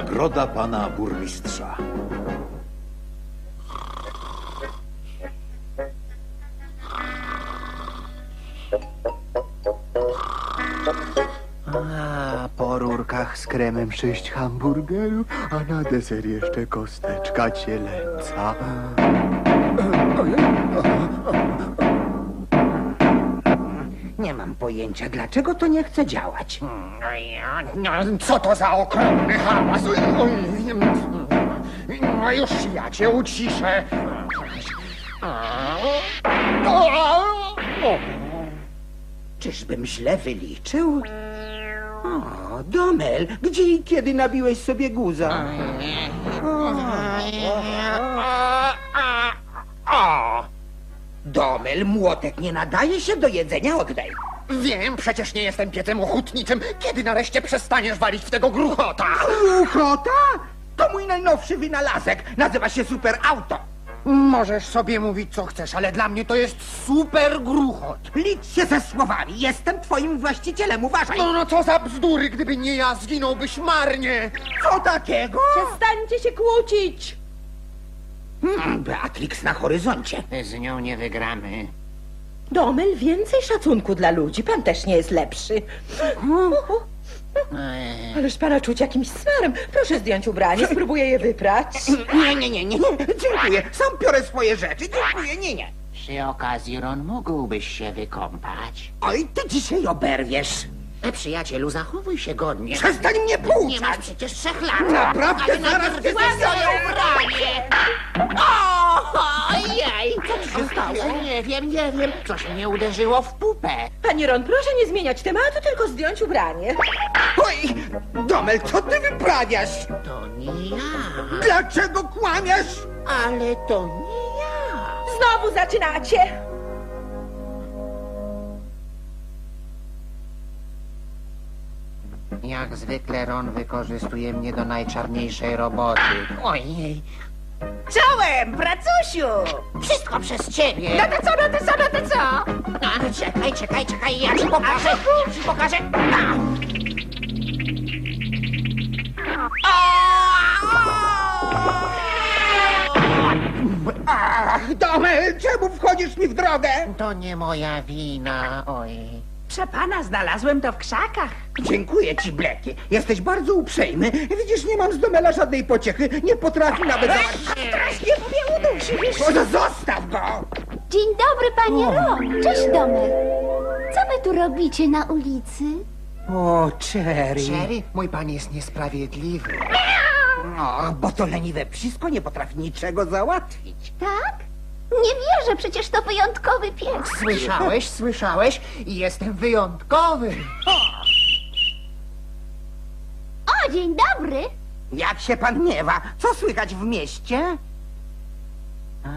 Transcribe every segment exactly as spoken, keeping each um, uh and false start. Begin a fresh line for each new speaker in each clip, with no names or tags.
Nagroda pana burmistrza.
A, po rurkach z kremem sześć hamburgerów, a na deser jeszcze kosteczka cielęca.
Nie mam pojęcia, dlaczego to nie chce działać.
No, co to za okropny hałas? Oj, no już ja cię uciszę.
Czyżbym źle wyliczył? O, Domel, gdzie i kiedy nabiłeś sobie guza? O, Domel, młotek nie nadaje się do jedzenia, oddaj.
Wiem, przecież nie jestem piecem ochotniczym. Kiedy nareszcie przestaniesz walić w tego gruchota?
Gruchota? To mój najnowszy wynalazek. Nazywa się Super Auto.
Możesz sobie mówić, co chcesz, ale dla mnie to jest super gruchot.
Licz się ze słowami. Jestem twoim właścicielem, uważaj.
No, no co za bzdury, gdyby nie ja, zginąłbyś marnie.
Co takiego?
Przestańcie się kłócić!
Hmm, Beatrix na horyzoncie.
Z nią nie wygramy.
Domel, więcej szacunku dla ludzi. Pan też nie jest lepszy. Ależ pana czuć jakimś smarem. Proszę zdjąć ubranie, spróbuję je wyprać.
Nie, nie, nie, nie, nie. Dziękuję. Sam biorę swoje rzeczy. Dziękuję, nie, nie.
Przy okazji, Ron, mógłbyś się wykąpać.
Oj, ty dzisiaj oberwiesz.
E, przyjacielu, zachowuj się godnie.
Przestań mnie
Nie masz
pouczać.
przecież trzech lat.
Naprawdę,
Ale
zaraz
najpierw
cię
zdejmij
zniszczę.
swoje ubranie. O, ojej, co ci się stało? Nie wiem, nie wiem. Coś mnie uderzyło w pupę.
Panie Ron, proszę nie zmieniać tematu, tylko zdjąć ubranie.
Oj, Domel, co ty wyprawiasz?
To nie ja.
Dlaczego kłamiesz?
Ale to nie ja.
Znowu zaczynacie!
Jak zwykle Ron wykorzystuje mnie do najczarniejszej roboty. Ojej.
Czołem, pracusiu!
Wszystko przez ciebie.
No to co, no to co, no to co?
A, czekaj, czekaj, czekaj, ja ci pokażę, ja ci pokażę. A.
Ach, Domel, czemu wchodzisz mi w drogę?
To nie moja wina, oj.
Proszę pana, znalazłem to w krzakach.
Dziękuję ci, Bleki. Jesteś bardzo uprzejmy. Widzisz, nie mam z Domela żadnej pociechy. Nie potrafi nawet załatwić.
Strasznie mnie udusisz.
O, no zostaw go!
Dzień dobry, panie Ron. Cześć, Domel. Co wy tu robicie na ulicy?
O, Cherry.
Sherry, mój pan jest niesprawiedliwy.
O, bo to leniwe psisko nie potrafi niczego załatwić.
Tak? Nie wierzę, przecież to wyjątkowy pies.
Słyszałeś, słyszałeś? Jestem wyjątkowy.
O, dzień dobry.
Jak się pan miewa? Co słychać w mieście? A,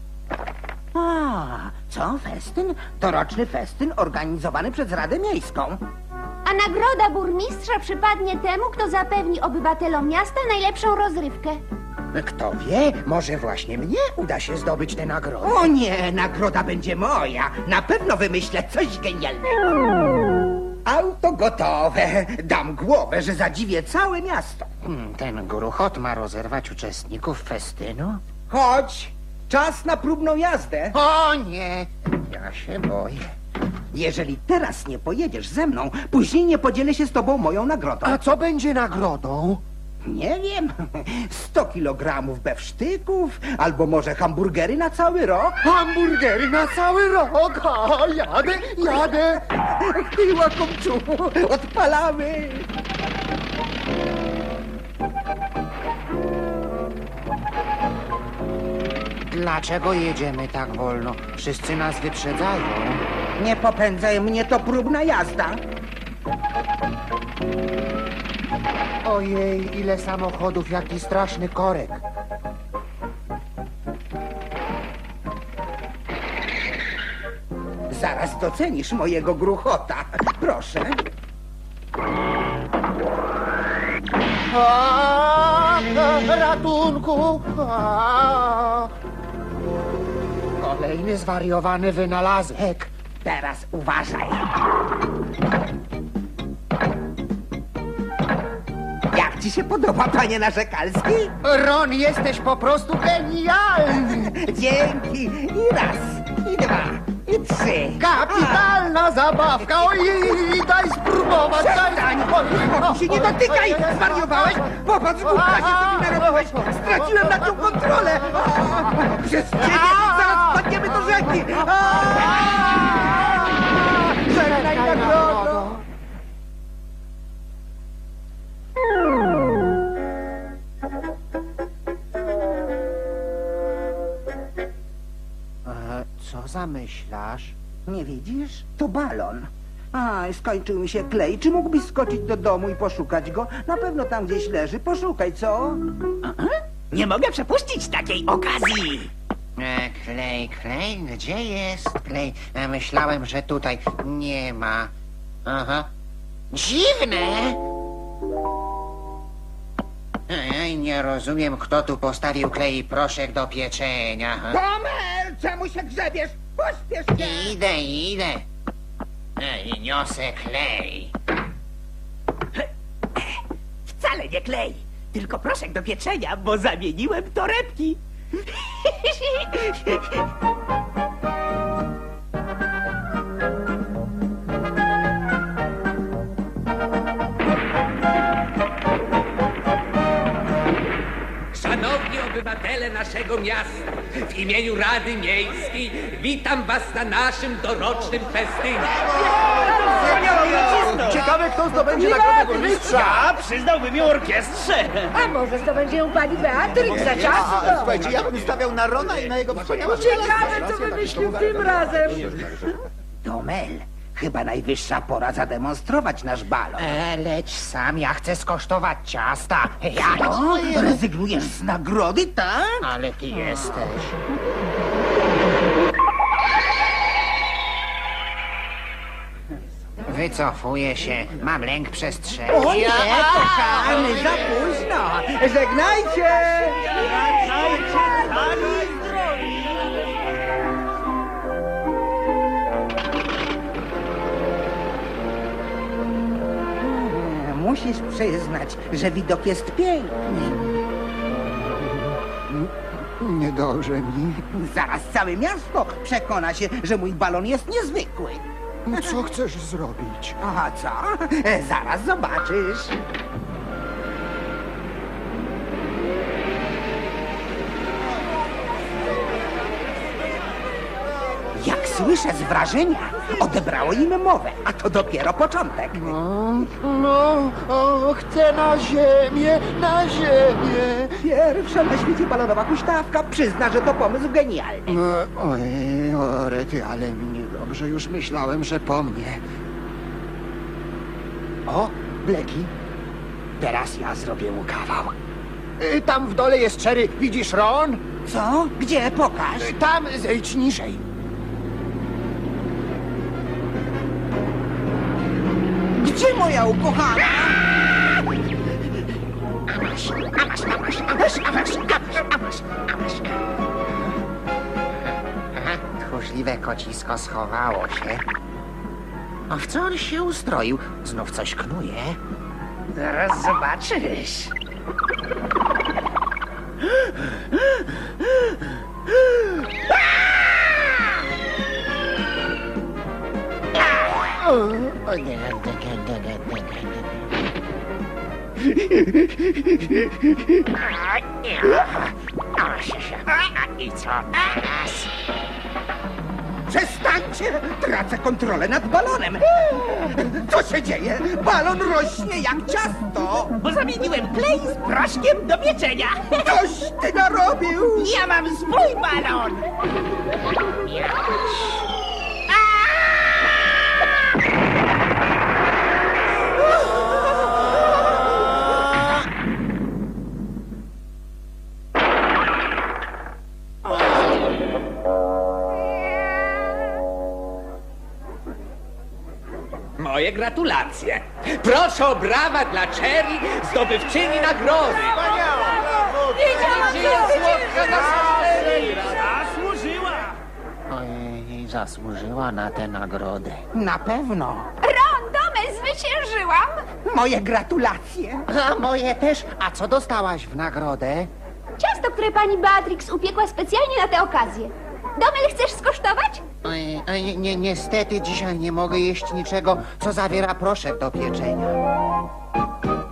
A co festyn? To roczny festyn organizowany przez Radę Miejską.
A nagroda burmistrza przypadnie temu, kto zapewni obywatelom miasta najlepszą rozrywkę.
Kto wie, może właśnie mnie uda się zdobyć tę nagrodę.
O nie, nagroda będzie moja. Na pewno wymyślę coś genialnego. Auto gotowe. Dam głowę, że zadziwię całe miasto.
Hmm, ten gruchot ma rozerwać uczestników festynu?
Chodź, czas na próbną jazdę.
O nie, ja się boję.
Jeżeli teraz nie pojedziesz ze mną, później nie podzielę się z tobą moją nagrodą.
A co będzie nagrodą?
Nie wiem, sto kilogramów bewsztyków, albo może hamburgery na cały rok.
Hamburgery na cały rok! A, jadę, jadę!
Ty, łakomczu, odpalamy!
Dlaczego jedziemy tak wolno? Wszyscy nas wyprzedzają.
Nie popędzaj mnie, to próbna jazda.
Ojej, ile samochodów, jaki straszny korek.
Zaraz docenisz mojego gruchota. Proszę.
A, ratunku! A. Kolejny zwariowany wynalazek.
Teraz uważaj. Jak Jak ci się podoba, panie Narzekalski?
Ron, jesteś po prostu genialny!
Dzięki. I raz, i dwa, i trzy.
Kapitalna zabawka! Oj, daj spróbować!
Przestań!
Daj...
Się nie dotykaj! Zwariowałeś? Popatrz, głupka się sobie narobiłeś! Straciłem nad nią kontrolę! A, Przez ciebie zaraz wpadniemy do rzeki! Żegnaj nagrodo!
Co zamyślasz?
Nie widzisz? To balon. A, skończył mi się klej. Czy mógłbyś skoczyć do domu i poszukać go? Na pewno tam gdzieś leży. Poszukaj, co?
Nie mogę przepuścić takiej okazji.
E, klej, klej, gdzie jest klej? E, myślałem, że tutaj nie ma. Aha. Dziwne! Ej, nie rozumiem, kto tu postawił klej i proszek do pieczenia.
Tomer! Czemu się grzebiesz? Pośpiesz się!
Idę, idę. Ej, niosę klej.
Wcale nie klej, tylko proszek do pieczenia, bo zamieniłem torebki.
Szanowni obywatele naszego miasta, w imieniu Rady Miejskiej witam was na naszym dorocznym festynie.
Ciekawe, kto zdobędzie nagrodę burmistrza.
Ja przyznałbym ją orkiestrze.
A może to będzie ją pani Beatryk za ciasto?
Słuchajcie, ja bym stawiał na Rona i na jego wspaniałe...
Ciekawe, co wymyślił tym razem.
Tomel, chyba najwyższa pora zademonstrować nasz balon.
E, leć sam, ja chcę skosztować ciasta. Ja,
O, rezygnujesz z nagrody, tak?
ale ty jesteś. Wycofuję się. Mam lęk przestrzeni.
O nie, kochany, za późno. Żegnajcie! Musisz przyznać, że widok jest piękny.
Nie dąży mi.
Zaraz całe miasto przekona się, że mój balon jest niezwykły.
Co chcesz zrobić?
A co? E, Zaraz zobaczysz. Jak słyszę z wrażenia, odebrało im mowę, a to dopiero początek.
No, no, o, chcę na ziemię, na ziemię.
Pierwsza na świecie balonowa huśtawka przyzna, że to pomysł genialny.
No, ojej, o rety, ale mi niedobrze. Już myślałem, że po mnie. O, Bleki. Teraz ja zrobię mu kawał. Y, Tam w dole jest Cherry. Widzisz, Ron?
Co? Gdzie? Pokaż.
Y, Tam, zejdź niżej.
Gdzie moja ukochana?
Aha, tchórzliwe kocisko schowało się. A w co on się ustroił? Znów coś knuje.
Zaraz zobaczysz.
O nie, nie, nie, nie, nie, nie, nie. I co teraz?
Przestańcie! Tracę kontrolę nad balonem. Co się dzieje? Balon rośnie jak ciasto.
Bo zamieniłem klej z proszkiem do pieczenia.
Coś ty narobił!
Ja mam swój balon.
Moje gratulacje. Proszę o brawa dla Cherry, zdobywczyni nagrody.
Ojej, zasłużyła na tę nagrodę.
Na pewno.
Ron, Tomel, zwyciężył! zwyciężyłam.
Moje gratulacje.
A moje też. A co dostałaś w nagrodę?
Ciasto, które pani Beatrix upiekła specjalnie na tę okazję. Domel, chcesz skosztować?
Oj, oj, nie, niestety dzisiaj nie mogę jeść niczego, co zawiera proszek do pieczenia.